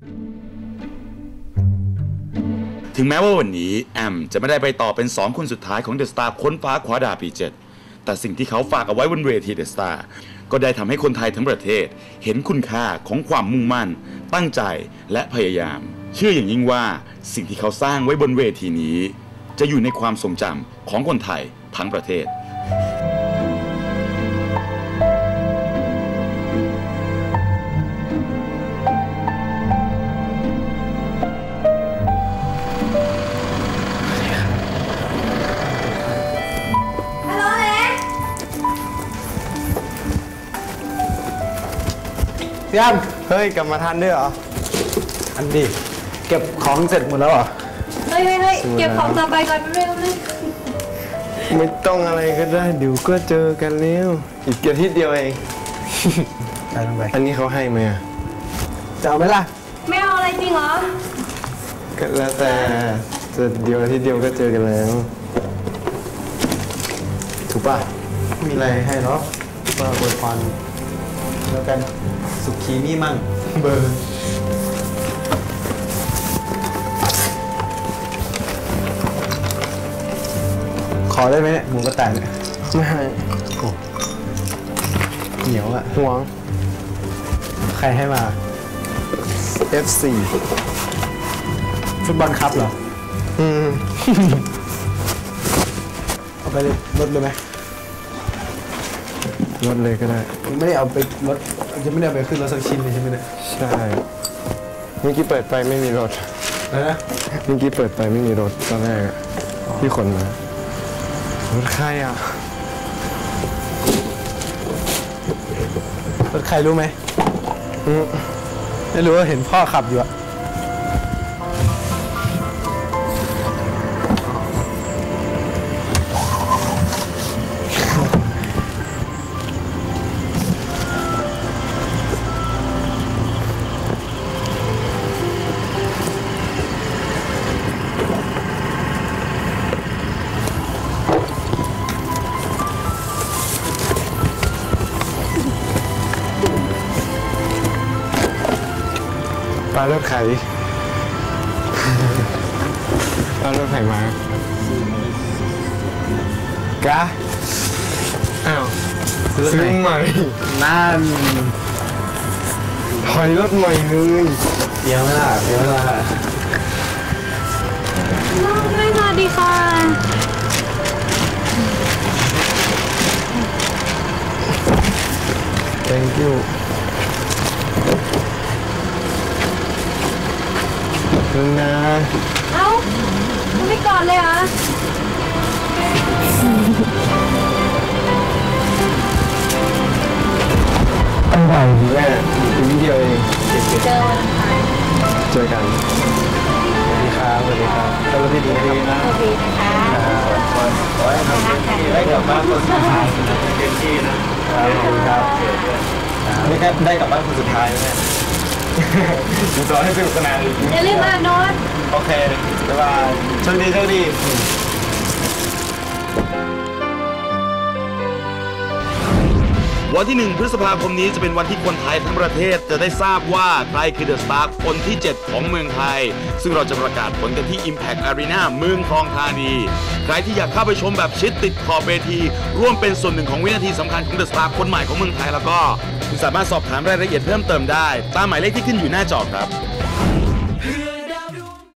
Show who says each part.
Speaker 1: ถึงแม้ว่าวันนี้แอมจะไม่ได้ไปต่อเป็น2คนสุดท้ายของเดอะสตาร์ค้นฟ้าคว้าดาวปี 7แต่สิ่งที่เขาฝากเอาไว้บนเวทีเดอะสตาร์ก็ได้ทำให้คนไทยทั้งประเทศเห็นคุณค่าของความมุ่งมั่นตั้งใจและพยายามเชื่ออย่างยิ่งว่าสิ่งที่เขาสร้างไว้บนเวทีนี้จะอยู่ในความทรงจำของคนไทยทั้งประเทศ
Speaker 2: พี่อ้ำเฮ้ยกลับมาทันด้วยเหรออันดีเก็บของเสร็จหมดแล้วเหรอ
Speaker 3: เฮ้ยเก็บของต่อไปก่อนเร็ว
Speaker 2: ไม่ต้องอะไรก็ได้เดี๋ยวก็เจอกันแล้วอีกอาทิตย์เดียวเองไปลงไปอันนี้เขาให้ไหมจะเอาไหมล่ะ
Speaker 3: ไม่เอาอะไรจริงเหรอ
Speaker 2: ก็แล้วแต่จะเดียวอาทิตย์เดียวก็เจอกันแล้วถูกป่ะมีอะไรให้เนาะว่าอวยพรแล้วกันสุขีนี่มั่งเบอร์ขอได้ไหมเนี่ยหมูกระต่ายเนี่ยไม่ให้โอ้เหนียวอะห่วงใครให้มา F4 ฟุตบอลคัพเหรอเอาไปรถเลยไหมรถเลยก็ได้ไม่ได้เอาไปรถจะไม่ได้เอาไปขึ้นรถสักชิ้นเลยใช่ไหมเนี่ยใช่เมื่อกี้เปิดไปไม่มีรถนะเมื่อกี้เปิดไปไม่มีรถตอนแรกที่ขนมารถใครอ่ะรถใครรู้ไหมไม่รู้ว่าเห็นพ่อขับอยู่อะปลารถไข่ปลารถไข่มากะอ้าวซื้อใหม่นั่นถอยรถใหม่เลยเดี๋ยวไม่ล่ะเดี๋ยวไม่ล่ะ
Speaker 3: ไม่สวัสดีค่ะ
Speaker 2: thank youนะ
Speaker 3: เอ้าไม่ก่อนเลยเหรอ
Speaker 2: อะไรแม่อีกนิดเดียวเองเจอกันสวัสดีครับสวัสดีครับสวัสดีนะ
Speaker 3: สวัสดีนะคะ
Speaker 2: ขอให้ทำเต็มที่ได้กลับบ้านคนสุดท้ายเต็มที่นะครับไม่แค่ได้กลับบ้านคนสุดท้ายแม่ดูสอนให้สนุกสนาน
Speaker 3: อย่าลืมอ่านโน้ต
Speaker 2: โอเคบ๊ายบายโชคดีโชคดี
Speaker 1: วันที่1 พฤษภาคมนี้จะเป็นวันที่คนไทยทั้งประเทศจะได้ทราบว่าใครคือเดอะสตาร์คนที่ 7 ของเมืองไทยซึ่งเราจะประกาศผลกันที่ Impact Arena เมืองทองธานีใครที่อยากเข้าไปชมแบบชิดติดขอบเวทีร่วมเป็นส่วนหนึ่งของวินาทีสำคัญของเดอะสตาร์คนใหม่ของเมืองไทยแล้วก็คุณสามารถสอบถามรายละเอียดเพิ่มเติมได้ตามหมายเลขที่ขึ้นอยู่หน้าจอครับ